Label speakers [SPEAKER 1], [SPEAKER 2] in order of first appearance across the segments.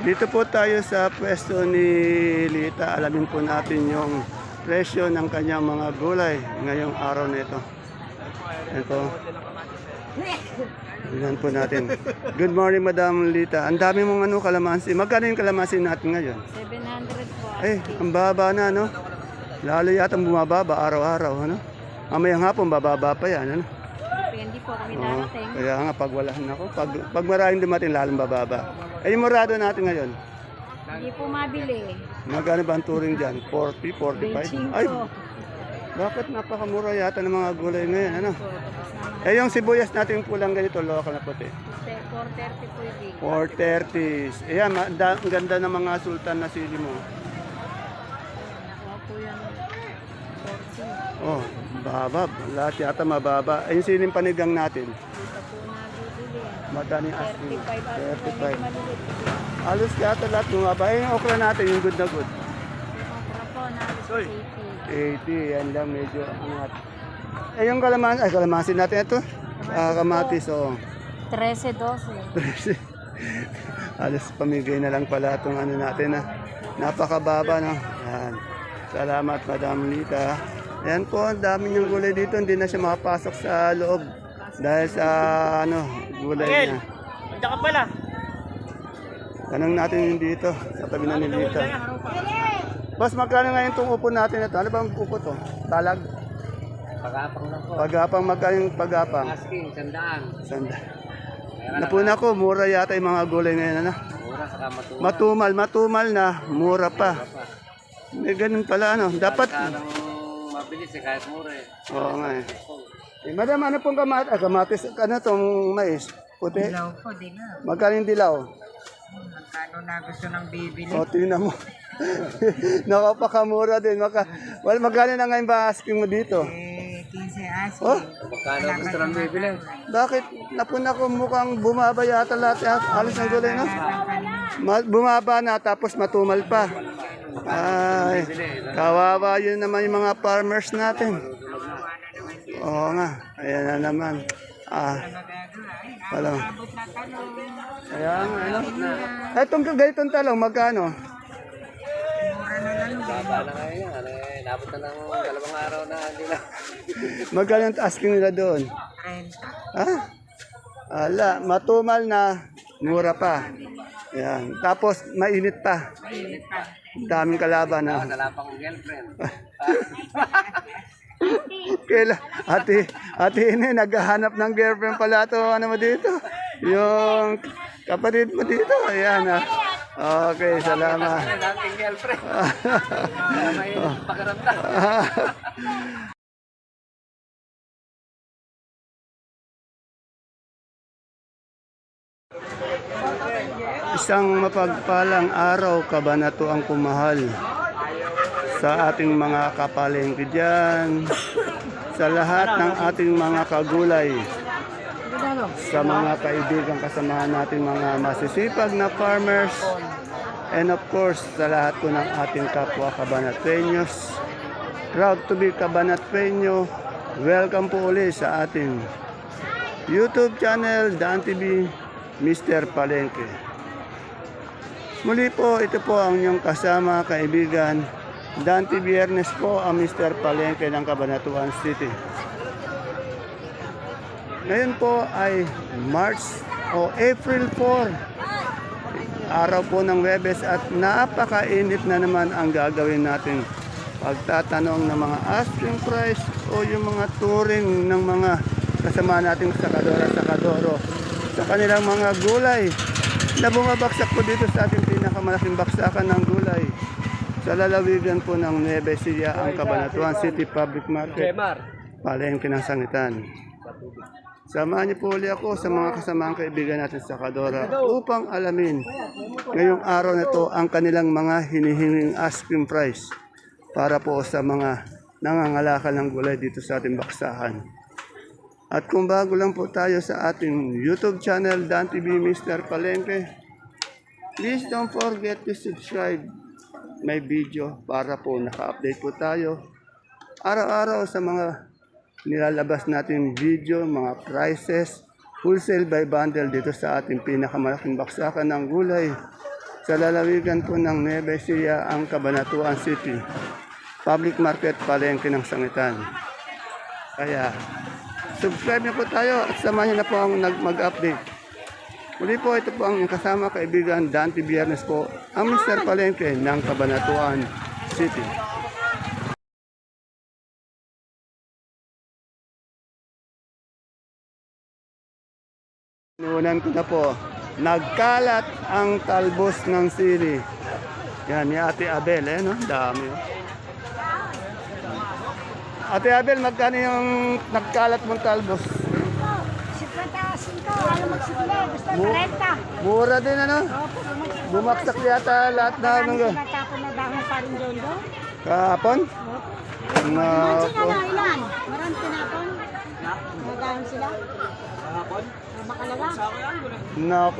[SPEAKER 1] Dito po tayo sa pwesto ni Lita. Alamin po natin yung presyo ng kanyang mga gulay ngayong araw na ito. Ito. Tignan po natin. Good morning, Madam Lita. Ang dami mong kalamansi. Magkano yung kalamansi natin ngayon?
[SPEAKER 2] 700 po.
[SPEAKER 1] Ang baba na, no? Lalo yata bumababa araw-araw, ano? Mamayang hapon, bababa pa yan, ano?
[SPEAKER 2] Depende po kami darating.
[SPEAKER 1] Kaya nga, pag wala na ako, pag maraming dumating, lalong bababa. Yung murado natin ngayon,
[SPEAKER 2] Hindi po mabili.
[SPEAKER 1] magkano ba ang turing dyan? 40, 45?
[SPEAKER 2] 25.
[SPEAKER 1] Ay, bakit napakamura yata ng mga gulay ngayon, ano? Yung sibuyas natin pulang ganito, local na puti.
[SPEAKER 2] 430 po yung big.
[SPEAKER 1] 430. Ayan, ang ganda ng mga sultan na sili mo.
[SPEAKER 2] Nakuha po yan 14.
[SPEAKER 1] Oh, baba. Lahat yata mababa. Yung siling panigang natin.
[SPEAKER 2] Dito po nabibili.
[SPEAKER 1] Madaling asking.
[SPEAKER 2] 35.
[SPEAKER 1] 35.
[SPEAKER 2] Malilit.
[SPEAKER 1] Alos yata lahat bumaba. Yung okra natin, yung good na good.
[SPEAKER 2] Yung okra po nalis
[SPEAKER 1] 80. Yan lang, medyo angat. Yung kalamansi natin ito. Kamatis, oh.
[SPEAKER 2] 13, 12.
[SPEAKER 1] Alos pamigay na lang pala itong ano natin, napakababa, no? Yan. Salamat, Madam Lita. Yan po, ang dami niyang gulay dito. Hindi na siya makapasok sa loob. Dahil sa, gulay niya.
[SPEAKER 3] Andiyan ka pala.
[SPEAKER 1] Tanong natin yung dito, sa tabi na ni Lita. Boss, magkano ngayon itong upo natin ito? Ano bang upo to? Talag?
[SPEAKER 3] Pagapang lang po.
[SPEAKER 1] Pagapang, magkano yung pagapang?
[SPEAKER 3] Asking, sandaan.
[SPEAKER 1] Sanda. Napuna ko, mura yata yung mga gulay ngayon, ano?
[SPEAKER 3] Mura, saka matuwa.
[SPEAKER 1] Matumal na, mura pa. May ganun pala, ano? Dapat,
[SPEAKER 3] Parang mabilis kahit mura eh.
[SPEAKER 1] oo nga madam, ano pong kamatis, ano tong mais? Puti?
[SPEAKER 2] Dilaw po, dilaw.
[SPEAKER 1] Magkano yung dilaw?
[SPEAKER 2] Magkano na gusto ng bibili?
[SPEAKER 1] O, tingnan mo. Nakapakamura din. Magkano na ngayon ba asking mo dito?
[SPEAKER 2] 15 asin.
[SPEAKER 1] Oh,
[SPEAKER 3] Magkano gusto ng bibili?
[SPEAKER 1] bakit? Napuna ko mukhang bumaba yata lahat. Alis ng gulay, no? Bumaba na tapos matumal pa. Ay, kawawa yun naman yung mga farmers natin. Oo nga, ayan na naman. Wala. Kaya nga, ano? Itong ganitong talong, magkano?
[SPEAKER 3] Baba na ngayon yan. Nabot na ng 2 araw na hindi na.
[SPEAKER 1] Magkano yung asking nila doon? Ala, matumal na, mura pa. Ayan. Tapos, mainit pa. Daming kalaban, ha?
[SPEAKER 3] Wala pang girlfriend.
[SPEAKER 1] Kailan, ate ini, naghahanap ng girlfriend pala to, ano mo dito? Yung kapatid mo dito, ayan, ha? Okay, salamat.
[SPEAKER 3] Dating girlfriend. May pakiramdam.
[SPEAKER 1] Isang mapagpalang araw, kabanatuang kumahal sa ating mga kapalengke dyan, sa lahat ng ating mga kagulay, sa mga kaibigan kasamahan natin mga masisipag na farmers, and of course sa lahat po ng ating kapwa Cabanatueños. Proud to be Cabanatueño. Welcome po ulit sa ating YouTube channel, Dan TV, Mr. Palengke. Muli po, ito po ang inyong kasama, kaibigan, Dante Biernes po, ang Mr. Palengke ng Cabanatuan City. Ngayon po ay March o April 4, araw po ng Webes, at napakainit na naman ang gagawin natin pagtatanong ng mga asking price o yung mga turing ng mga kasama nating sakadora-sakadoro sa kanilang mga gulay na bumabaksak po dito sa ating pinakamalaking baksakan ng gulay sa lalawigan po ng Nueva Ecija, ang Cabanatuan City Public Market, palengke ng sangitan. Samahan niyo po ulit ako sa mga kasamaang kaibigan natin sa Kadora upang alamin ngayong araw na ito ang kanilang mga hinihinging asking price para po sa mga nangangalakal ng gulay dito sa ating baksahan. At kung bago lang po tayo sa ating YouTube channel, Dan TV Mr. Palengke, please don't forget to subscribe my video para po naka-update po tayo araw-araw sa mga nilalabas natin video, mga prices, wholesale by bundle dito sa ating pinakamalaking baksakan ng gulay sa lalawigan po ng Nueva Ecija ang Cabanatuan City. Public market palengke ng Sangitan. Kaya, subscribe na po tayo at samahan niyo na po ang mag-update. Muli po, ito po ang kasama kaibigan Dante Biernes po, ang Mr. Palengke ng Cabanatuan City. Nuunan ko na po, nagkalat ang talbos ng sili. Yan, ni Ate Abel, no? Dami. Ate Abel, magkano yung nagkalat mong talbos?
[SPEAKER 4] 50 ano magsimula, gusto 40.
[SPEAKER 1] Mura din, ano?
[SPEAKER 4] Opo,
[SPEAKER 1] Bumaksak yata lahat na
[SPEAKER 4] Marami
[SPEAKER 1] ng
[SPEAKER 4] sinatapon na dahon pa rin doon doon.
[SPEAKER 1] kahapon.
[SPEAKER 4] Opo.
[SPEAKER 1] Nako.
[SPEAKER 4] Ilan? Marami tinapon. Nagahon sila. Makalawa.
[SPEAKER 1] Nako.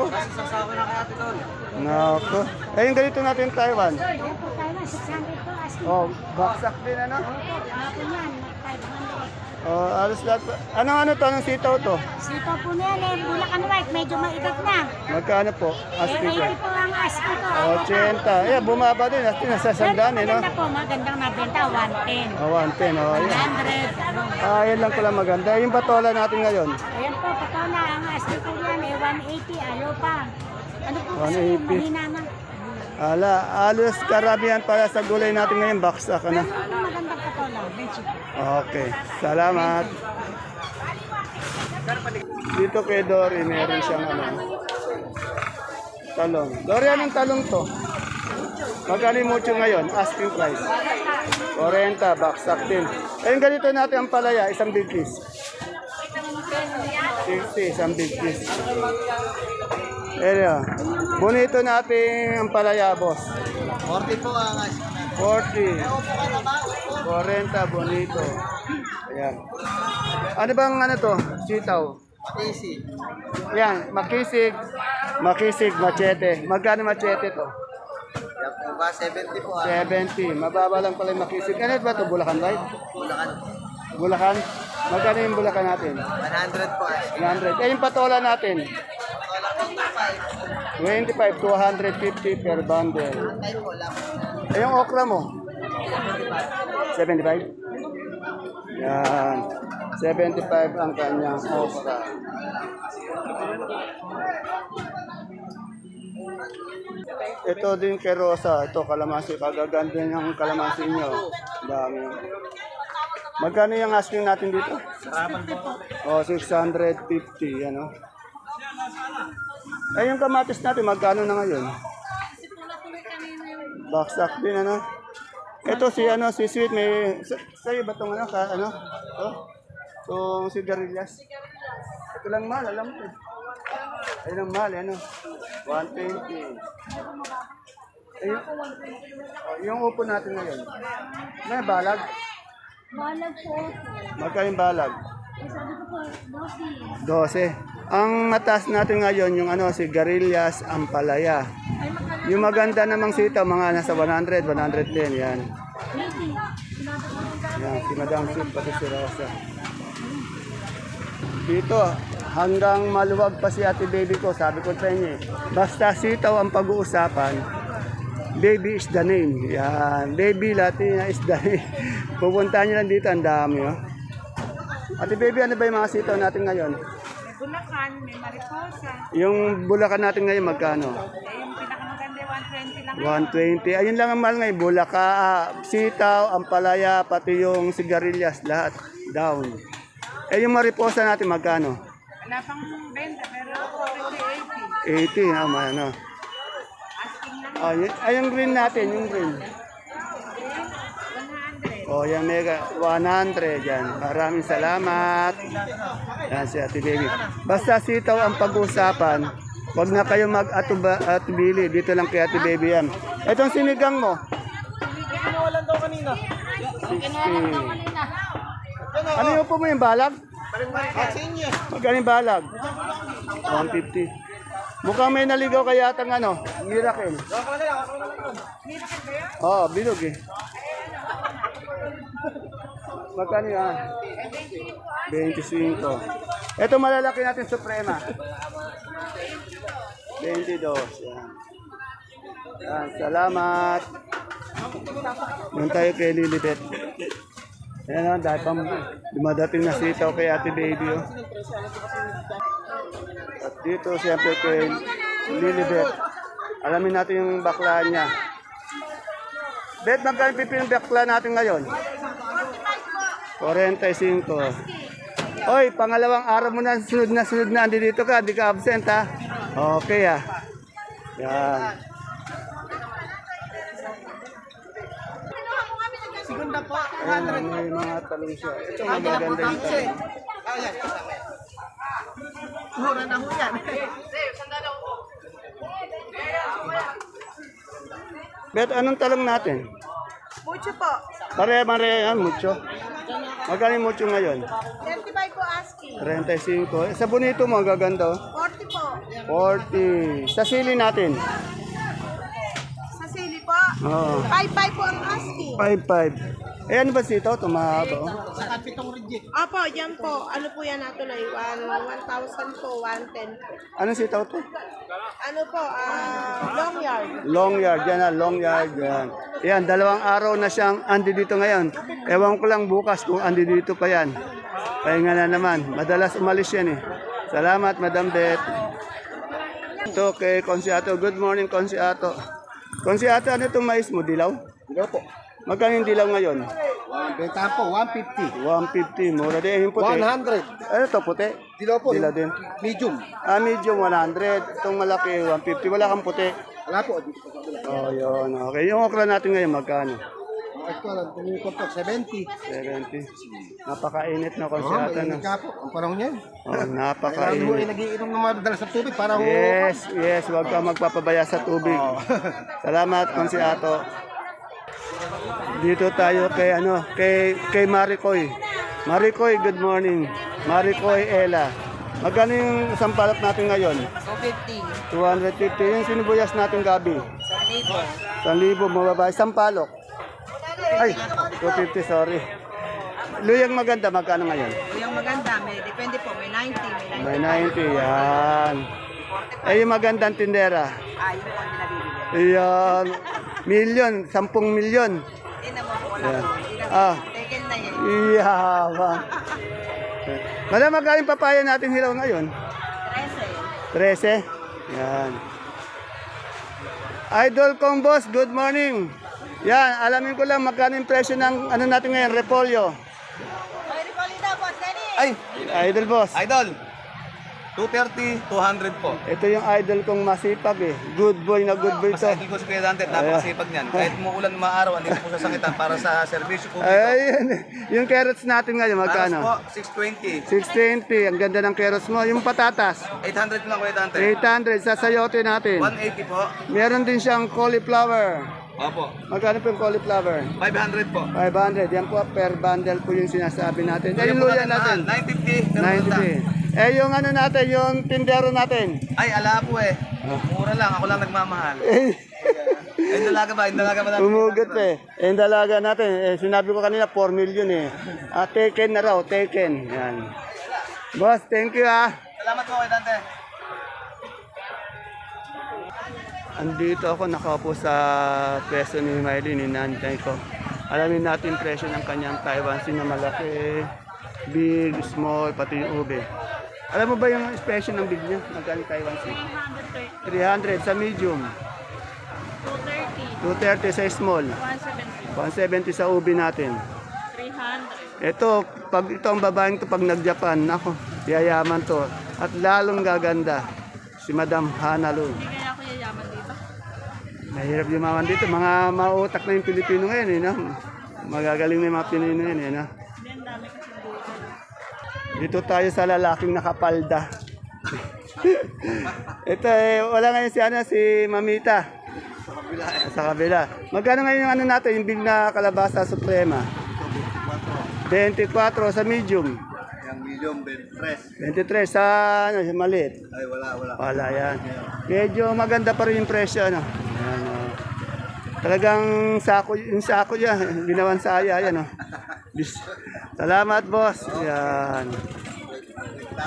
[SPEAKER 1] Nako. Eh, yung ganito natin Taiwan.
[SPEAKER 4] Opo, tayo na, 600 po. Asking.
[SPEAKER 1] Oh, baksak din, ano?
[SPEAKER 4] Opo, kahapon yan, 500.
[SPEAKER 1] Oh, alos lahat. Ano to? Anong sitaw to?
[SPEAKER 4] Sito po na yan, Bulacan White, medyo maibig na.
[SPEAKER 1] Magkano po? Asking ko.
[SPEAKER 4] 80 po ang asking ko.
[SPEAKER 1] 80. Eh, bumaba din. Asti, nasa sandaan, eh, no?
[SPEAKER 4] Maganda po, magandang nabenta, 110.
[SPEAKER 1] Oh, 110. Oh, yan.
[SPEAKER 4] 100. Ano.
[SPEAKER 1] Yan lang pala maganda. Yung patola natin ngayon.
[SPEAKER 4] Ayan po, patola, ang asking ko yan, 180, ayaw pa. Ano po kasi,
[SPEAKER 1] 180.
[SPEAKER 4] mahina na.
[SPEAKER 1] Alos karamihan para sa gulay natin ngayon. Baksak, ano?
[SPEAKER 4] Ano magandang patola? Benchi.
[SPEAKER 1] Okay. Salamat. Dito kay Dory, meron siyang ano, talong. Dory, anong talong to? Magkano yung mucho ngayon? Asking price. 40, baksak din. Ayun, ganito natin ang palaya, isang big piece. 50, isang big piece. Ayun, bonito natin ang palaya, boss.
[SPEAKER 3] 40 po ang
[SPEAKER 1] 40. 40, bonito. Ayan. Ano bang ano to? Sitaw.
[SPEAKER 3] easy.
[SPEAKER 1] Yan, makisig. Makisig, machete. Magkano machete to?
[SPEAKER 3] Yan po ba? 70 po
[SPEAKER 1] 70. Mababa lang pala yung makisig. Ano ba to? Bulacan White?
[SPEAKER 3] Bulacan.
[SPEAKER 1] Bulacan? Magkano yung Bulacan natin?
[SPEAKER 3] 100 po
[SPEAKER 1] 100. Eh, yung patola natin? 25 to 150 per bundle.
[SPEAKER 3] Tayo po lang.
[SPEAKER 1] Eh, yung okra mo? 75? Yan. 75 ang kanyang okra. Ito din kay Rosa. Ito kalamansi. Kagaganda yung kalamansi nyo. Dami. Magkano yung asking natin dito? Oh, 650. Yan, oh. Eh, yung kamatis natin, magkano na ngayon? Baksak din, ano? Ito si Sweet may sa'yo ba tong ano ka ano? Tong sigarilyas. Ito lang mahal, alam ko. Ayun ang mahal, ano? 120. Ayun. Yung upo natin ngayon. May balag.
[SPEAKER 4] Balag po.
[SPEAKER 1] Magkano yung balag?
[SPEAKER 4] Sabi ko po, 12.
[SPEAKER 1] 12. Ang mataas natin ngayon yung sigarilyas, ampalaya. Yung maganda namang sitaw, mga nasa 100, 110, yan. Yan, si Madam Sweet, pati si Rosa. Dito, hanggang maluwag pa si ate baby ko, sabi ko sa inyo basta sitaw ang pag-uusapan, baby is the name. Yan, baby Latina is the name. Pupuntahan nyo lang dito, ang dami. Oh. Ate baby, ano ba yung mga sitaw natin ngayon?
[SPEAKER 2] May Bulacan, may Mariposa.
[SPEAKER 1] Yung Bulacan natin ngayon, magkano?
[SPEAKER 2] Yung pinakamaganda, 120 lang.
[SPEAKER 1] 120. Ayun lang ang mahal ngayon. Bulacan, sitaw, ampalaya, pati yung sigarilyas, lahat down. Eh yung mariposa natin, magkano?
[SPEAKER 2] Wala pang benta, pero
[SPEAKER 1] 80, ano. Yung green natin, yung green.
[SPEAKER 2] 100.
[SPEAKER 1] Oh, yung mega 100 yan. Maraming salamat. Yan si Ate Baby. Basta sitaw ang pag-uusapan. Huwag na kayo mag-atubili. Dito lang kay Ate Baby yan. Itong sinigang mo.
[SPEAKER 3] Kinuwalan daw kanina.
[SPEAKER 1] 60. Ano yung po mo yung balag? Magkano yung balag? 150. Mukhang may naligaw kaya atang miracle. Oo, bilog eh. Magkano yan? 25. Ito malalaki natin Suprema. 22. Yan. Yan, salamat. Doon tayo kay Lilibet. Ayan o, dahil pang dumadating na sitaw kay Ate Baby. Oh. At dito siyempre kay Lilibet. Alamin natin yung bakla niya. Bet, magkano pipin yung bakla natin ngayon? 45. Oy, pangalawang araw mo na sunod na andi dito ka, di ka absent ha. Okay ah. Yan.
[SPEAKER 3] Segunda po.
[SPEAKER 1] Ayan, may mga talong siya. Ito magaganda yung talong.
[SPEAKER 3] Mura na ho yan.
[SPEAKER 1] Bet, anong talong natin?
[SPEAKER 2] Mucho po.
[SPEAKER 1] Pare-pare yan, mucho. Magkano yung mucho ngayon?
[SPEAKER 2] 35 po asking.
[SPEAKER 1] 35. Sa bonito mo, ang gaganda. Oh.
[SPEAKER 2] 40 po.
[SPEAKER 1] 40. Sa sili natin.
[SPEAKER 2] Sa sili po.
[SPEAKER 1] Oo.
[SPEAKER 2] 55 po ang asking.
[SPEAKER 1] 5-5. Eh, ano ba sito? Tumahaba. Oh.
[SPEAKER 2] Opo, yan po. Ano po yan natin ay 1,000 po, 110 po.
[SPEAKER 1] Anong sitaw to?
[SPEAKER 2] Ano po, long yard.
[SPEAKER 1] Long yard. Yan na, long yard. Yan. Yan, 2 araw na siyang andi dito ngayon. Ewan ko lang bukas kung andi dito pa yan. Pahinga na naman. Madalas umalis yan eh. Salamat, Madam Beth. Ito kay Consiato. Good morning, Consiato. Consiato, ano itong mais mo? Dilaw?
[SPEAKER 3] Dilaw po.
[SPEAKER 1] Magkano yung dilaw ngayon?
[SPEAKER 3] Bentahan po, 150.
[SPEAKER 1] 150. Mura din. Yung puti.
[SPEAKER 3] 100.
[SPEAKER 1] Ano to puti?
[SPEAKER 3] Dilaw po.
[SPEAKER 1] Dilaw din.
[SPEAKER 3] Medium.
[SPEAKER 1] Ah, medium 100. Itong malaki 150. Wala kang puti.
[SPEAKER 3] Wala po. Dito po sa kabila.
[SPEAKER 1] Oh, yun. Okay. Yung okra natin ngayon, magkano?
[SPEAKER 3] Ito lang, tingin ko po, 70.
[SPEAKER 1] 70. Napakainit na
[SPEAKER 3] Oo,
[SPEAKER 1] konsyata
[SPEAKER 3] mainit
[SPEAKER 1] na.
[SPEAKER 3] nga po. Ang panahon niyan.
[SPEAKER 1] Oh,
[SPEAKER 3] Kailangan mo ay
[SPEAKER 1] napakainit.
[SPEAKER 3] nagiinom ng madalas sa tubig para ho.
[SPEAKER 1] Yes. Huwag ka magpapabaya sa tubig. Salamat, Konsiato. Dito tayo kay Maricoy. Maricoy, good morning. Maricoy Ella. Magkano yung sampalok natin ngayon?
[SPEAKER 2] 250.
[SPEAKER 1] 250. Yung sinubuyas natin gabi? 1,000. 1,000 mababa. Sampalok? Ay, 250, sorry. Luyang maganda, magkano ngayon?
[SPEAKER 2] Yung maganda, depende po, may 90,
[SPEAKER 1] May 90, yan. Eh, yung magandang tindera?
[SPEAKER 2] Yung po ang binabibili.
[SPEAKER 1] Ayan. Milyon, 10 milyon.
[SPEAKER 2] Hindi naman po, wala
[SPEAKER 1] Yan.
[SPEAKER 2] po.
[SPEAKER 1] Ah,
[SPEAKER 2] Taken na yan.
[SPEAKER 1] iyabang. Madam, magkano yung papaya natin hilaw ngayon?
[SPEAKER 2] 13.
[SPEAKER 1] 13? Yan. Idol kong boss, good morning. Yan, alamin ko lang magkano yung presyo ng ano natin ngayon, repolyo.
[SPEAKER 2] Ay, Ricolita, boss, Danny.
[SPEAKER 3] Ay,
[SPEAKER 1] Idol boss.
[SPEAKER 3] idol. 230, 200 po.
[SPEAKER 1] Ito yung idol kong masipag eh. Good boy na good boy
[SPEAKER 3] Mas
[SPEAKER 1] to.
[SPEAKER 3] idol ko si Kuya Dante, napakasipag niyan. Kahit umuulan maaraw, hindi po sasangitan para sa serbisyo publiko.
[SPEAKER 1] Ayun. Yung carrots natin ngayon,
[SPEAKER 3] Paras
[SPEAKER 1] magkano?
[SPEAKER 3] po, 620.
[SPEAKER 1] 620. Ang ganda ng carrots mo. Yung patatas,
[SPEAKER 3] 800 lang Kuya Dante.
[SPEAKER 1] 800 sa sayote natin.
[SPEAKER 3] 180 po.
[SPEAKER 1] Meron din siyang cauliflower.
[SPEAKER 3] Opo.
[SPEAKER 1] Magkano po yung cauliflower?
[SPEAKER 3] 500 po.
[SPEAKER 1] 500. Yan po, per bundle po yung sinasabi natin. Eh, yung
[SPEAKER 3] po
[SPEAKER 1] luya natin,
[SPEAKER 3] 950. per bunda.
[SPEAKER 1] 90. Eh, yung ano natin, yung tindero natin.
[SPEAKER 3] Ay, ala po eh. Mura lang, ako lang nagmamahal. Ay, dalaga ba? Yung dalaga ba natin?
[SPEAKER 1] Umugot eh. Eh, yung dalaga natin, sinabi ko kanina, 4 million eh. Taken na raw, taken. Yan. Boss, thank you ah.
[SPEAKER 3] Salamat po Kuya Dante.
[SPEAKER 1] Andito ako nakaupo sa peso ni Miley, ni nanay ko. Alamin natin presyo ng kanyang Taiwan Sea na malaki, big, small, pati yung ube. Alam mo ba yung special ng big niya? Magkano yung Taiwan Sea? 300 sa medium. 230 sa small. 170 sa ube natin. 300. Ito, pag ito ang babaeng to pag nag-Japan, nako, yayaman to. At lalong gaganda si Madam Hana Lu.
[SPEAKER 2] Kaya ako yayaman dito.
[SPEAKER 1] Mahirap yumaman dito. Mga mautak na yung Pilipino ngayon, eh, no? Magagaling na yung mga Pinoy ngayon, eh, no? Dito tayo sa lalaking nakapalda. Ito, wala ngayon si Mamita. Sa kabila. Magkano ngayon yung ano natin, yung big na kalabasa suprema? 24 sa medium.
[SPEAKER 3] Yung medium, fresh.
[SPEAKER 1] 23 sa maliit.
[SPEAKER 3] Ay, wala.
[SPEAKER 1] Wala yan. Medyo maganda pa rin yung presyo, ano? Ayan, oh. Talagang yung sako yan, ginawan saya, yan, oh. Salamat, boss. Yan.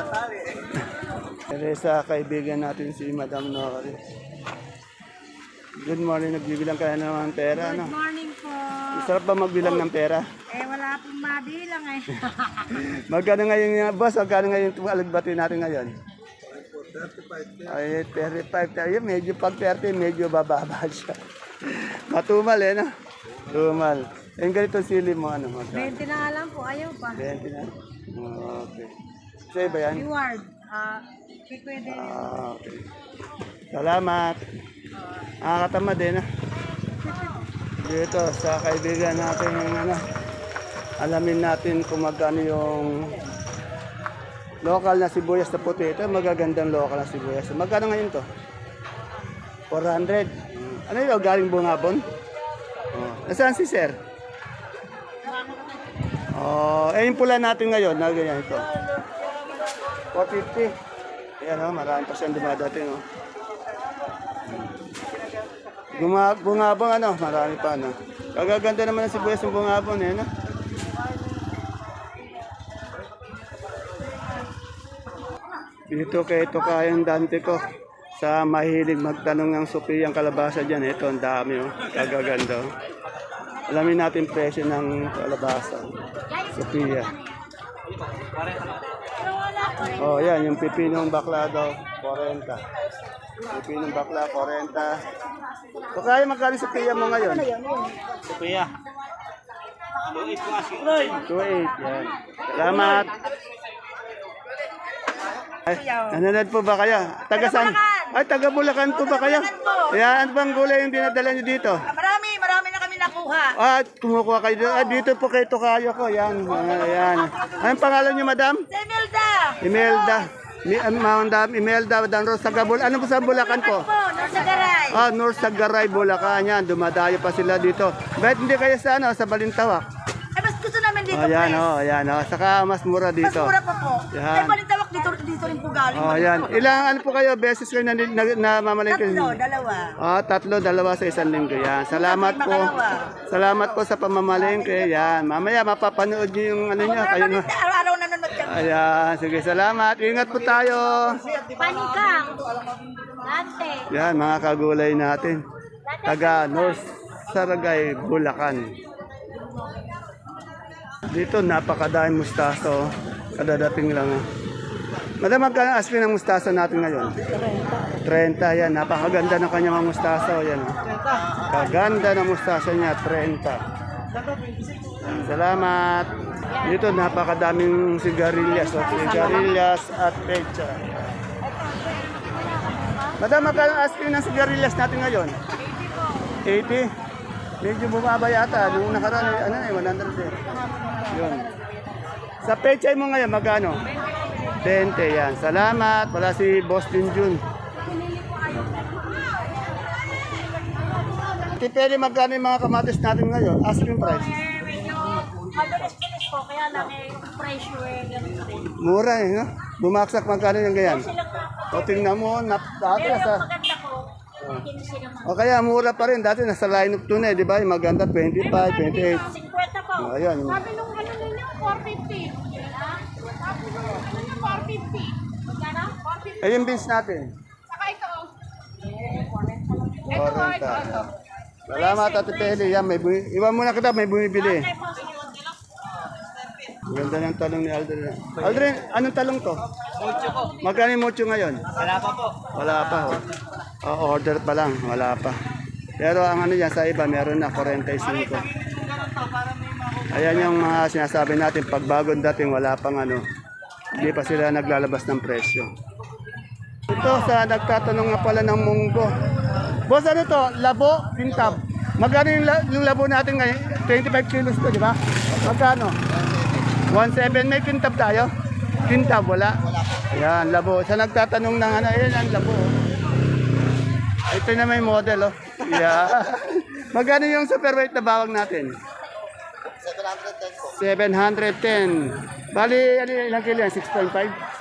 [SPEAKER 1] Teresa, kaibigan natin si Madam Nori. Good morning, nagbibilang ka na naman ng pera,
[SPEAKER 4] Good
[SPEAKER 1] no?
[SPEAKER 4] morning po.
[SPEAKER 1] Sarap ba magbilang ng pera?
[SPEAKER 4] Eh, wala pong mabilang eh.
[SPEAKER 1] Magkano ngayon nga, boss? Magkano ngayon itong alagbati natin ngayon? 35. Ay, 35 tayo. Medyo pag 30, medyo bababa siya. Matumal eh, no? Tumal. Yung ganito sili mo, ano?
[SPEAKER 4] 20 na nga lang po, ayaw pa.
[SPEAKER 1] 20 na? Okay. Sa'yo ba yan?
[SPEAKER 4] Reward. Pwede.
[SPEAKER 1] Okay. Salamat. Nakakatama din, ha? Dito, sa kaibigan natin yung ano, alamin natin kung magkano yung local na sibuyas na puti. Ito, magagandang local na sibuyas. Magkano ngayon to? 400. Ano yun? Galing Bungabon? Oh. Nasaan si sir? Oh, yung pula natin ngayon, na ganyan ito. 450. Ayan, oh, marami pa siyang dumadating. Oh. Bungabon, ano, marami pa. Ano. Kagaganda naman ang sibuyas ng Bungabon. Eh, no? Dito kay kayang dante ko sa mahilig magtanong ng supiyang kalabasa dyan. Ito, ang dami. Oh. Kagaganda. Oh. Alamin natin presyo ng kalabasa. Sophia. Oh, yan. Yung pipinong bakla daw, 40. Pipinong bakla, 40. So, kaya magkano Sophia mo ngayon?
[SPEAKER 3] Sophia.
[SPEAKER 1] 2.8. Yan. Salamat. Ay, nanonood po ba kayo? Taga saan? Ay, taga Bulacan po ba kayo? Yan, ano bang gulay yung dinadala nyo dito?
[SPEAKER 2] Marami na kami nakuha.
[SPEAKER 1] Ah, kumukuha kayo dito. Ah, dito po kayo tokayo ko. Yan, yan. Anong pangalan niyo, madam?
[SPEAKER 2] Imelda!
[SPEAKER 1] Imelda. Madam Imelda Danros sa Gabul. Ano po sa Bulacan po?
[SPEAKER 2] Norsagaray.
[SPEAKER 1] Ah, North Sagaray, Bulacan. Yan, dumadayo pa sila dito. Bakit hindi kayo sa, ano, sa Balintawak?
[SPEAKER 2] Ay, mas gusto namin dito,
[SPEAKER 1] Oh, yan, oh, yan, oh. Saka mas mura
[SPEAKER 2] Mas
[SPEAKER 1] dito.
[SPEAKER 2] mura pa po.
[SPEAKER 1] Yan.
[SPEAKER 2] Ay, balintawak dito rin po galing.
[SPEAKER 1] Oh, yan. Ilang ano po kayo, beses kayo na mamalengke?
[SPEAKER 2] Dalawa.
[SPEAKER 1] Ah, dalawa sa isang linggo. Yan. Salamat po. Salamat po sa pamamalengke. Yan. Mamaya mapapanood niyo yung ano niya. Kayo na.
[SPEAKER 2] Araw-araw nanonood kami.
[SPEAKER 1] Ayan. Sige, salamat. Ingat po tayo.
[SPEAKER 4] Panikang. Dante.
[SPEAKER 1] Yan, mga kagulay natin. Taga North Saragay, Bulacan. Dito, napakadaming mustaso. Kadadating lang. Madam, magkano asking ng mustaso natin ngayon? 30. Yan, napakaganda ng kanyang mga mustaso. Yan. Kaganda ng mustaso niya, 30. Yan, salamat. Dito, napakadaming sigarilyas. Sigarilyas at pecha. Madam, magkano asking ng sigarilyas natin ngayon? 80. Medyo bumaba yata. Nung nakaraan, 100 eh. Yun. Sa pechay mo ngayon, magkano? 20, yan. Salamat. Wala si Boss Junjun. Tipeli, magkano yung mga kamatis natin ngayon? Asking price.
[SPEAKER 4] Medyo mabilis-bilis po, kaya lang yung presyo ganun pa rin.
[SPEAKER 1] Mura eh, no? Bumaksak magkano yung ganyan?
[SPEAKER 4] Silang na
[SPEAKER 1] O tingnan mo, dati
[SPEAKER 4] Pero yung
[SPEAKER 1] nasa...
[SPEAKER 4] maganda ko, 15 naman.
[SPEAKER 1] O kaya mura pa rin. Dati nasa line up 2 na eh, di ba? Yung maganda 25, 28.
[SPEAKER 4] 50 po.
[SPEAKER 1] O, ayan.
[SPEAKER 4] Sabi nung ano ninyo, 450. Ha? Sabi nung ano ninyo, 450. Magkano? 450.
[SPEAKER 1] Eh, yung beans natin.
[SPEAKER 4] Saka ito.
[SPEAKER 1] 40. Salamat, Ate Peli. Yan, iwan muna kita, may bumibili. Ganda ng talong ni Aldrin. Aldrin, anong talong to?
[SPEAKER 3] Mucho po.
[SPEAKER 1] Magkano yung mucho ngayon?
[SPEAKER 3] Wala pa po.
[SPEAKER 1] Wala pa. Oh. Oh, order pa lang, wala pa. Pero ang ano yan sa iba, meron na 45. Ayan yung mga sinasabi natin, pag bagong dating, wala pang ano, hindi pa sila naglalabas ng presyo. Ito sa nagtatanong nga pala ng munggo. Boss, ano to? Labo, kintab. Magkano yung labo natin ngayon? 25 kilos to, di ba? Magkano? 1.7. May kintab tayo? Kintab, wala? Ayan, labo. Sa nagtatanong ng ano, ayan ang labo. Ito na may model, oh. Yeah. Magkano yung superweight na bawang natin? 710. Bali, ano, ilang kilo yan? 6.5?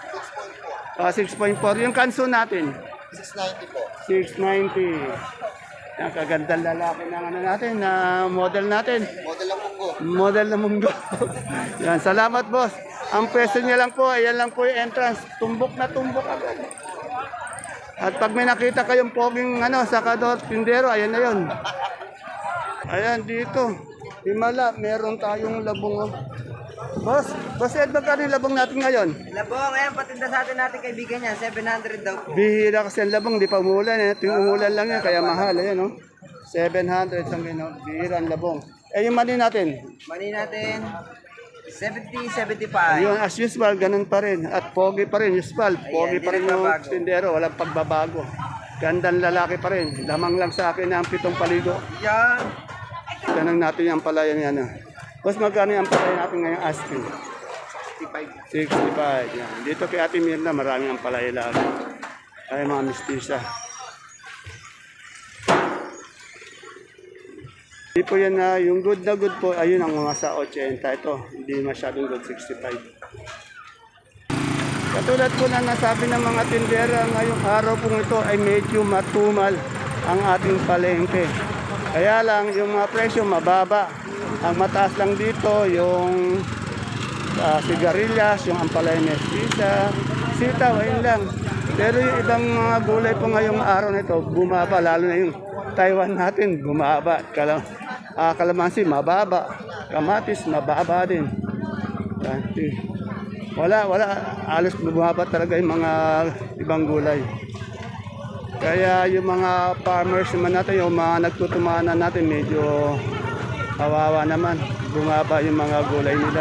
[SPEAKER 1] 6.4. Yung kanso natin?
[SPEAKER 3] 690 po.
[SPEAKER 1] 690. Ang kagandang lalaki ng ano natin, na model natin.
[SPEAKER 3] Model lang munggo.
[SPEAKER 1] Model na munggo. Yan, salamat boss. Ang pwesto niya lang po, ayan lang po yung entrance. Tumbok na tumbok agad. At pag may nakita kayong poging sakador, tindero, ayan na yun. Ayan, dito. Himala, meron tayong labong. Boss Ed, magkano yung labong natin ngayon?
[SPEAKER 3] Labong, ayan, patinda sa atin natin kaibigan niya. 700 daw po.
[SPEAKER 1] Bihira kasi ang labong, di pa umulan. Yung umulan lang yan, kaya mahal. Ayan, no? 700 sa bihira ang labong. Yung mani natin?
[SPEAKER 3] Mani natin, 70, 75.
[SPEAKER 1] Yun, as usual, ganun pa rin. At pogi pa rin, usual. Pogi
[SPEAKER 3] Ayan,
[SPEAKER 1] pa rin
[SPEAKER 3] di
[SPEAKER 1] yung
[SPEAKER 3] nagbabago.
[SPEAKER 1] tindero, walang pagbabago. Gandang lalaki pa rin. Lamang lang sa akin ang 7 paligo.
[SPEAKER 3] Yan.
[SPEAKER 1] Tanong natin yung palaya niya. Boss, magkano yung palaya natin ngayong asking? 65. Yan. Dito kay Ate Mirna, maraming ang palaya lagi. Ay, mga mistisa. Hindi po yan na, yung good na good po, ayun ang mga sa 80. Ito, hindi masyadong good, 65. Katulad po na nasabi ng mga tindera, ngayong araw pong ito ay medyo matumal ang ating palengke. Kaya lang, yung mga presyo mababa. Ang mataas lang dito, yung sigarilyas, yung ampalaya mestiza, sitaw, ayun lang. Pero yung ibang mga gulay po ngayong araw na ito, bumaba, lalo na yung Taiwan natin, bumaba. Kalamansi, mababa. Kamatis, mababa din. Wala. Alos bumaba talaga yung mga ibang gulay. Kaya yung mga farmers naman natin, yung mga nagtutumanan natin, medyo kawawa naman. Bumaba yung mga gulay nila.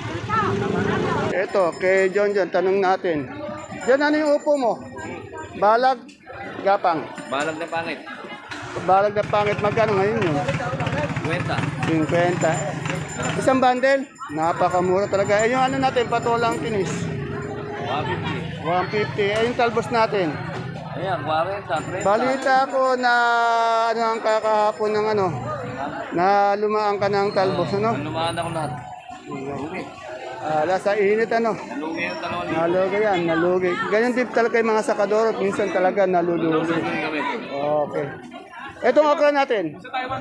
[SPEAKER 1] Ito, kay John, tanong natin. John, ano yung upo mo? Balag, gapang.
[SPEAKER 3] Balag na pangit.
[SPEAKER 1] Balag na pangit, magkano ngayon yun?
[SPEAKER 3] 50.
[SPEAKER 1] 50. Isang bundle? Napakamura talaga. Yung ano natin, patolang tinis.
[SPEAKER 3] 150.
[SPEAKER 1] 150. Yung talbos natin.
[SPEAKER 3] Ayan, 40, 30.
[SPEAKER 1] Balita ko na ang kakahapon ng na lumaan ka ng talbos,
[SPEAKER 3] Lumaan ako lahat.
[SPEAKER 1] Sa init,
[SPEAKER 3] Lugi yung talon.
[SPEAKER 1] Nalugi yan, nalugi. Ganyan din talaga yung mga sakadoro. Minsan talaga nalulugi.
[SPEAKER 3] Kami.
[SPEAKER 1] Okay. Etong okra natin.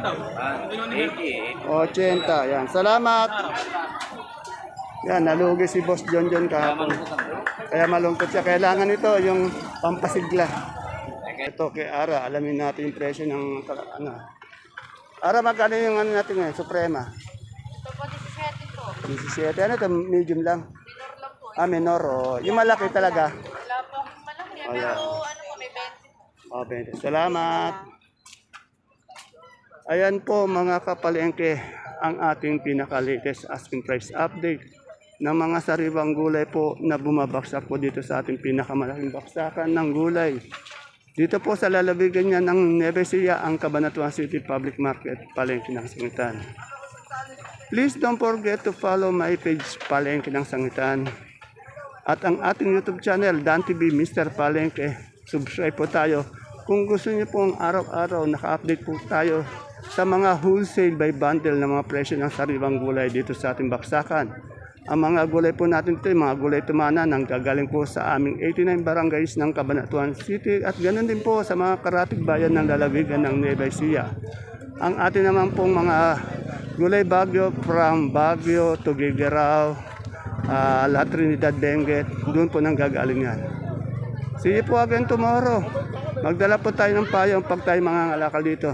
[SPEAKER 3] 80.
[SPEAKER 1] 80. Yan. Salamat. Yan, nalugi si Boss John kahapon. Kaya malungkot siya. Kailangan ito yung pampasigla. Ito kay Ara. Alamin natin yung presyo ng Ara, magkano yung natin ngayon? Suprema.
[SPEAKER 4] Ito po, 17 po.
[SPEAKER 1] 17. Ano ito? Medium lang.
[SPEAKER 4] Minor lang po.
[SPEAKER 1] Minor. Yung malaki talaga.
[SPEAKER 4] Wala po akong malaki.
[SPEAKER 1] Wala.
[SPEAKER 4] Pero ano po, may 20 po.
[SPEAKER 1] 20. Salamat. Ayan po mga kapalengke ang ating pinaka-latest asking price update ng mga sariwang gulay po na bumabaksak po dito sa ating pinakamalaking baksakan ng gulay. Dito po sa lalabigan niya ng Nueva Ecija, ang Cabanatuan City Public Market, Palengke ng Sangitan. Please don't forget to follow my page, Palengke ng Sangitan. At ang ating YouTube channel, Dan TV Mr. Palengke. Subscribe po tayo. Kung gusto niyo pong araw-araw naka-update po tayo sa mga wholesale by bundle na mga presyo ng sariwang gulay dito sa ating baksakan. Ang mga gulay po natin ito, mga gulay tumana nang gagaling po sa aming 89 barangays ng Cabanatuan City at ganoon din po sa mga karatig bayan ng lalawigan ng Nueva Ecija. Ang atin naman pong mga gulay Baguio from Baguio to Gigerao, La Trinidad, Benguet, doon po nang gagaling yan. See you po again tomorrow. Magdala po tayo ng payong pag tayo mga ngalakal dito.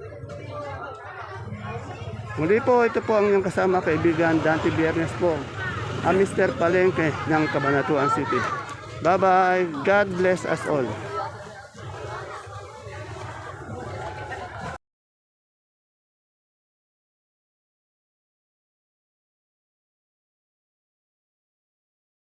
[SPEAKER 1] Muli po, ito po ang inyong kasama kaibigan Dante Biernes po, ang Mr. Palengke ng Cabanatuan City. Bye-bye. God bless us all.